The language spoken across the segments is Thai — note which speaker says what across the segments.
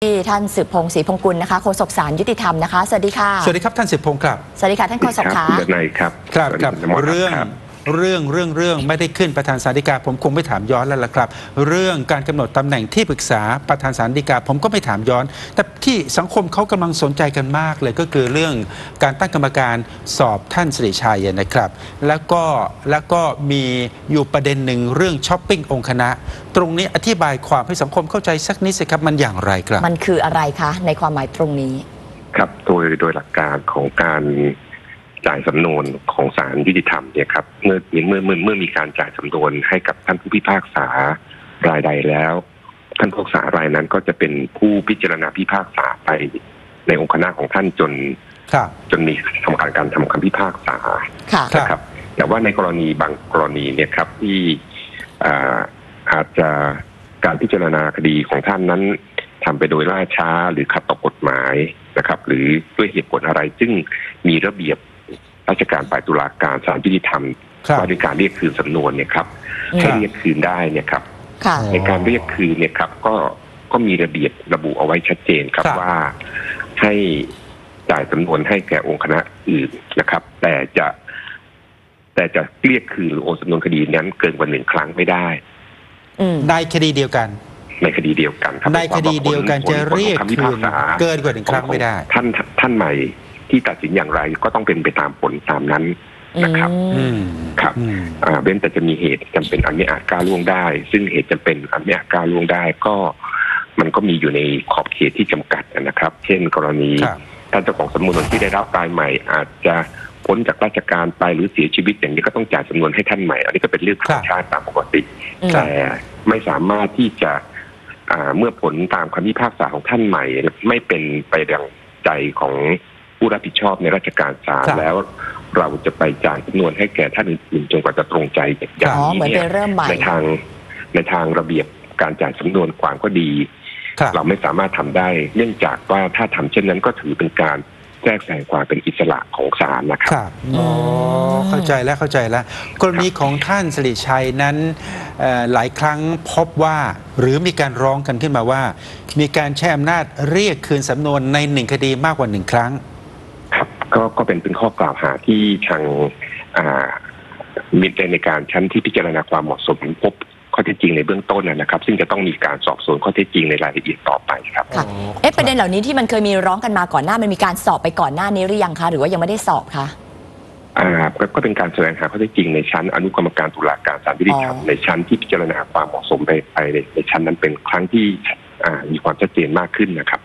Speaker 1: ท่านสืบพงศ์ศรีพงกุลนะคะโฆษกศาลยุติธรรมนะคะสวัสดีค่ะ
Speaker 2: สวัสดีครับท่านสืบพงศ์ครับ
Speaker 1: สวัสดีค่ะท่านโฆษกค่ะ
Speaker 3: นายครับ
Speaker 2: ครับเรื่องไม่ได้ขึ้นประธานศาลฎีกาผมคงไม่ถามย้อนแล้วล่ะครับเรื่องการกำหนดตำแหน่งที่ปรึกษาประธานศาลฎีกาผมก็ไม่ถามย้อนแต่ที่สังคมเขากำลังสนใจกันมากเลยก็คือเรื่องการตั้งกรรมการสอบท่านสิริชัยนะครับแล้วก็มีอยู่ประเด็นหนึ่งเรื่องช้อปปิ้งองค์คณะตรงนี้อธิบายความให้สังคมเข้าใจสักนิดสิครับมันอย่างไรครับ
Speaker 1: มันคืออะไรคะในความหมายตรงนี้
Speaker 3: ครับโดยหลักการของการจ่ายสำนวนของศาลยุติธรรมเนี่ยครับเมื่อมีการจ่ายสำนวนให้กับท่านผู้พิพากษารายใดแล้วท่านผู้พิพากษารายนั้นก็จะเป็นผู้พิจารณาพิพากษาไปในองค์คณะของท่านจนมีการทำคำพิพากษานะครับแต่ว่าในกรณีบางกรณีเนี่ยครับที่อาจจะการพิจารณาคดีของท่านนั้นทำไปโดยล่าช้าหรือขัดต่อกฎหมายนะครับหรือด้วยเหตุผลอะไรซึ่งมีระเบียบราชการฝ่ายตุลาการศาลยุติธรรมว่าด้วยการเรียกคืนสำนวนเนี่ยครับให้เรียกคืนได้เนี่ยครับในการเรียกคืนเนี่ยครับก็มีระเบียบระบุเอาไว้ชัดเจนครับว่าให้จ่ายสำนวนให้แก่องค์คณะอื่นนะครับแต่จะเรียกคืนหรือโอนสำนวนคดีนั้นเกินกว่า1 ครั้งไม่ได้
Speaker 2: ในคดีเดียวกัน
Speaker 3: ในคดีเดียวกันครับ
Speaker 2: ในคดีเดียวกันจะเรียกคืนเกินกว่า1 ครั้งไม่ได้
Speaker 3: ท่านใหม่ที่ตัดสินอย่างไรก็ต้องเป็นไปตามผลตามนั้นนะครับครับเว้นแต่จะมีเหตุจำเป็นอันไม่อาจก้าวล่วงได้ซึ่งเหตุจำเป็นอันไม่อาจก้าวล่วงได้ก็มันก็มีอยู่ในขอบเขตที่จำกัดนะครับเช่นกรณีท่านเจ้าของสำนวนที่ได้รับรายใหม่อาจจะพ้นจากราชการไปหรือเสียชีวิตอย่างนี้ก็ต้องจ่ายสำนวนให้ท่านใหม่อันนี้ก็เป็นเรื่องธรรมชาติตามปกติแต่ไม่สามารถที่จะเมื่อผลตามคำพิพากษาของท่านใหม่ไม่เป็นไปดังใจของผู้รับผิดชอบในราชการศาลแล้วเราจะไปจ่ายจำนวนให้แก่ท่านอื่นจนกว่าจะตรงใจอย่างนี้เนี่ยในทางระเบียบการจ่ายสำนวนความก็ดีเราไม่สามารถทำได้เนื่องจากว่าถ้าทำเช่นนั้นก็ถือเป็นการแทรกแซงความเป็นอิสระของศาลนะครับ
Speaker 2: เข้าใจแล้วกรณีของท่านสิริชัยนั้นหลายครั้งพบว่าหรือมีการร้องกันขึ้นมาว่ามีการใช้อำนาจเรียกคืนสำนวนใน1 คดีมากกว่า1 ครั้ง
Speaker 3: ครับก็เป็นข้อกล่าวหาที่ทางมีในการชั้นที่พิจารณาความเหมาะสมพบข้อเท็จจริงในเบื้องต้นนะครับซึ่งจะต้องมีการสอบสวนข้อเท็จจริงในรายละเอียดต่อไปครับ
Speaker 1: ประเด็นเหล่านี้ที่มันเคยมีร้องกันมาก่อนหน้ามันมีการสอบไปก่อนหน้านี้หรือยังคะหรือว่ายังไม่ได้สอบคะ
Speaker 3: ก็เป็นการแสดงหาข้อเท็จจริงในชั้นอนุกรรมการตุลาการศาลยุติธรรมในชั้นที่พิจารณาความเหมาะสมไปในชั้นนั้นเป็นครั้งที่มีความชัดเจนมากขึ้นนะครับ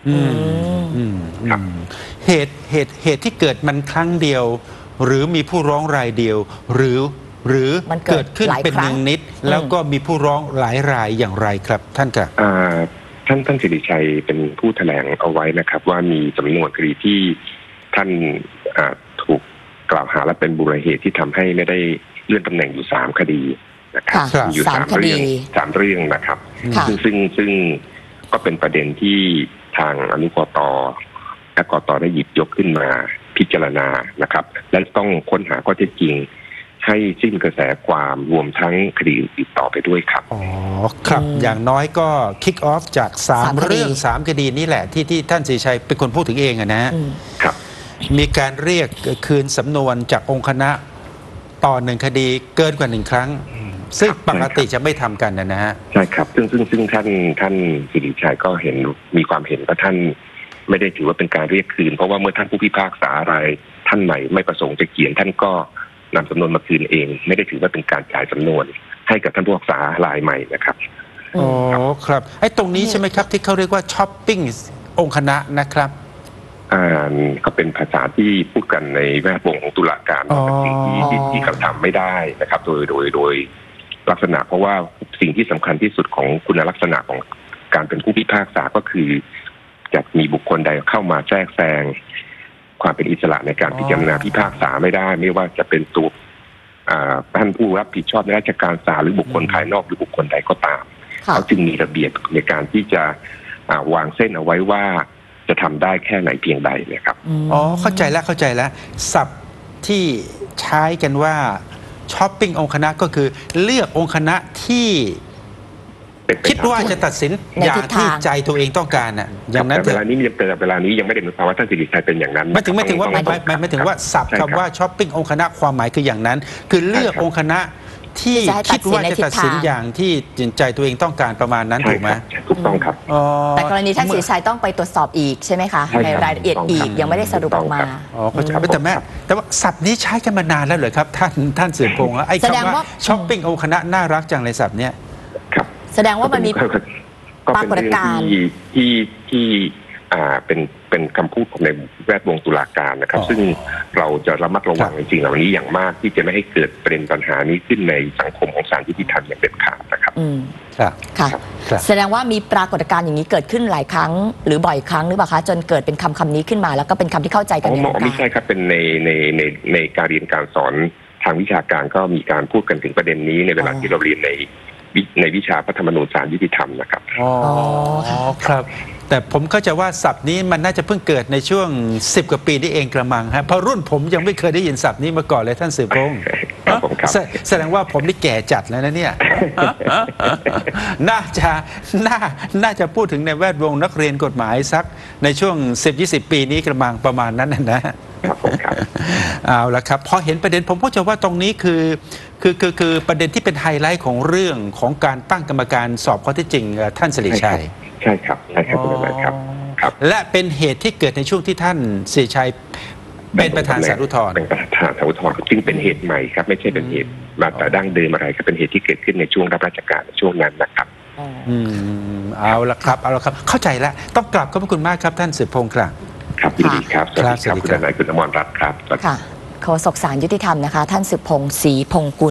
Speaker 2: เหตุที่เกิดมันครั้งเดียวหรือมีผู้ร้องรายเดียวหรือเกิดขึ้นเป็น1 นิดแล้วก็มีผู้ร้องหลายรายอย่างไรครับท่านครับ
Speaker 3: ท่านสิริชัยเป็นผู้แถลงเอาไว้นะครับว่ามีสำนวนคดีที่ท่านถูกกล่าวหาและเป็นมูลเหตุที่ทำให้ไม่ได้เลื่อนตำแหน่งอยู่3 คดีนะครับอยู่3 เรื่องนะครับซึ่งก็เป็นประเด็นที่ทางอนุกต.และกต.ได้หยิบยกขึ้นมาพิจารณานะครับและต้องค้นหาข้อเท็จจริงให้สิ้นกระแสความรวมทั้งคดีอื่นต่อไปด้วยครับ
Speaker 2: ครับอย่างน้อยก็คิกออฟจาก3 เรื่อง3 คดีนี่แหละที่ท่านสิริชัยเป็นคนพูดถึงเอง
Speaker 3: นะครับ
Speaker 2: มีการเรียกคืนสำนวนจากองค์คณะต่อ1 คดีเกินกว่า1 ครั้งซึ่งปกติจะไม่ทำกันนะฮะ
Speaker 3: ใช่ครับซึ่งท่านสิริชัยก็เห็นมีความเห็นว่าท่านไม่ได้ถือว่าเป็นการเรียกคืนเพราะว่าเมื่อท่านผู้พิพากษาอะไรท่านใหม่ไม่ประสงค์จะเขียนท่านก็นำสำนวนมาคืนเองไม่ได้ถือว่าเป็นการจ่ายสำนวนให้กับท่านผู้พิพากษารายใหม่นะครับ
Speaker 2: ครับไอ้ตรงนี้ใช่ไหมครับที่เขาเรียกว่าช้อปปิ้งองค์คณะนะครับ
Speaker 3: ก็เป็นภาษาที่พูดกันในแวดวงของตุลาการเป็นสิ่งที่กระทำไม่ได้นะครับโดยลักษณะเพราะว่าสิ่งที่สำคัญที่สุดของคุณลักษณะของการเป็นผู้พิพากษาก็คือจะมีบุคคลใดเข้ามาแทรกแซงความเป็นอิสระในการพิจารณาพิพากษาไม่ได้ไม่ว่าจะเป็นตัวท่านผู้รับผิดชอบในราชการศาลหรือบุคคลภายนอกหรือบุคคลใดก็ตามเขาจึงมีระเบียบในการที่จะวางเส้นเอาไว้ว่าจะทำได้แค่ไหนเพียงใดนะครับ
Speaker 2: เข้าใจแล้วศัพท์ที่ใช้กันว่าช้อปปิ้งองค์คณะก็คือเลือกองค์คณะที่คิดว่าจะตัดสิน
Speaker 1: ใน
Speaker 2: อย่า
Speaker 1: ทิ
Speaker 2: ง
Speaker 1: ศ
Speaker 2: ที่
Speaker 1: ทาง
Speaker 2: ใจตัวเองต้องการน่ะอย่างนั้น
Speaker 3: แต่
Speaker 2: เถ
Speaker 3: เว
Speaker 2: อะ
Speaker 3: ลานี้ยังไม่ได้หมายความว่าท่านสิริชัยเป็นอย่างนั้น
Speaker 2: ไม่ถึงว่า
Speaker 3: ต้อง
Speaker 2: ไม่ถึงว่าสับ
Speaker 3: ใช่รับ
Speaker 2: คำว่าช้อปปิ้งองค์คณะความหมายคืออย่างนั้น คือเลือก
Speaker 3: ใช่ครับ
Speaker 2: องค์คณะที่
Speaker 1: ที่จะให้
Speaker 2: คิดว่าจะ
Speaker 1: ตั
Speaker 2: ตั
Speaker 1: ด
Speaker 2: ด
Speaker 1: สิ
Speaker 2: สิ
Speaker 1: น
Speaker 2: น
Speaker 1: ในทิศทาง
Speaker 2: อย่างที่ใจตัวเองต้องการประมาณนั้น
Speaker 3: ใช่
Speaker 2: ถูกไหม
Speaker 3: ครับถูกต้องครับ
Speaker 2: อ๋อ
Speaker 1: แต่กรณีท่านศรีชัยต้องไปตรวจสอบอีกใช่ไหมคะ
Speaker 3: ใช่ครับ
Speaker 1: ในรายละเอียด
Speaker 3: ถูกต้อง
Speaker 1: อี
Speaker 3: ครั
Speaker 1: ก
Speaker 3: บ
Speaker 1: ยังไม่ได้สรุปออกมา
Speaker 2: อ๋อเข้าใจ
Speaker 3: ครับ
Speaker 2: แต่ว่าศัพท์นี้ใช้กันมานานแล้วเหรอครับท่านสืบพงษ์ไอ้
Speaker 1: แสดง
Speaker 2: คำว่า
Speaker 1: ว่า
Speaker 2: ช้อปปิ้งองค์คณะน่ารักจังเลยศัพท์เนี้ย
Speaker 3: ครับ
Speaker 1: แสดงว่ามันมี
Speaker 3: ก็
Speaker 1: ปรา
Speaker 3: เป็น
Speaker 1: กฏ
Speaker 3: เรื่อง
Speaker 1: การณ์
Speaker 3: ที่เป็นคำพูดของในแวดวงตุลาการนะครับ
Speaker 2: อ๋อ
Speaker 3: ซึ่งเราจะระมัดระวังจริงๆเหล่านี้อย่างมากที่จะไม่ให้เกิดประเด็นปัญหานี้ขึ้นในสังคมของศาลยุติธรรมอย่างเด็ดขาดนะครับ
Speaker 1: อืม
Speaker 2: ครับ
Speaker 1: ค่ะ
Speaker 2: ครับ
Speaker 1: แสดงว่ามีปรากฏการณ์อย่างนี้เกิดขึ้นหลายครั้ง หรือบ่อยครั้งหรือเปล่าคะจนเกิดเป็นคำนี้ขึ้นมาแล้วก็เป็นคำที่เข้าใจกันในวง
Speaker 3: ไม่
Speaker 1: กา
Speaker 3: ใช่
Speaker 1: ร
Speaker 3: ครับเป็นในการเรียนการสอนทางวิชาการก็มีการพูดกันถึงประเด็นนี้ในเวลาที่เราเรียนในวิชาพระธรรมนูญศาลยุติธรรมนะครับ
Speaker 2: อ๋อ
Speaker 1: ค่ะ
Speaker 2: ครับ แต่ผมเข้าใจว่าศัพท์นี้มันน่าจะเพิ่งเกิดในช่วง10 กว่าปีนี่เองกระมังฮะเพราะรุ่นผมยังไม่เคยได้ยินศัพท์นี้มาก่อนเลยท่านสืบพงษ์
Speaker 3: ครับผมครับ
Speaker 2: แสดงว่าผมนี่แก่จัดแล้วนะเนี่ย น่าจะพูดถึงในแวดวงนักเรียนกฎหมายสักในช่วง 10-20 ปีนี้กระมังประมาณนั้นนะ
Speaker 3: ครับผมครับ
Speaker 2: เอาละครับพอเห็นประเด็นผมก็จะว่าตรงนี้คือประเด็นที่เป็นไฮไลท์ของเรื่องของการตั้งกรรมการสอบข้อเท็จจริงท่านสิริชัย
Speaker 3: ใช่ครับคุณอนันต์ครับครับ
Speaker 2: และเป็นเหตุที่เกิดในช่วงที่ท่านสิริชัยเป็นประธานศาลอุทธรณ์
Speaker 3: เป็นประธานศาลอุทธรณ์จึงเป็นเหตุใหม่ครับไม่ใช่เป็นเหตุมาแต่ดั้งเดิมอะไรก็เป็นเหตุที่เกิดขึ้นในช่วงรับราชการในช่วงนั้นนะครับ
Speaker 2: เอาละครับเข้าใจแล้วต้องกลับขอบพระคุณมากครับท่านสืบพงษ์ครับ
Speaker 3: ครับยินดีครับสวัสดี
Speaker 2: ครับ
Speaker 3: ครับคุณอนันต์คุณอมรรัตน์ครับ
Speaker 1: ค่ะโฆษกศาลยุติธรรมนะคะ ท่านสืบพงษ์ศรีพงษ์กุล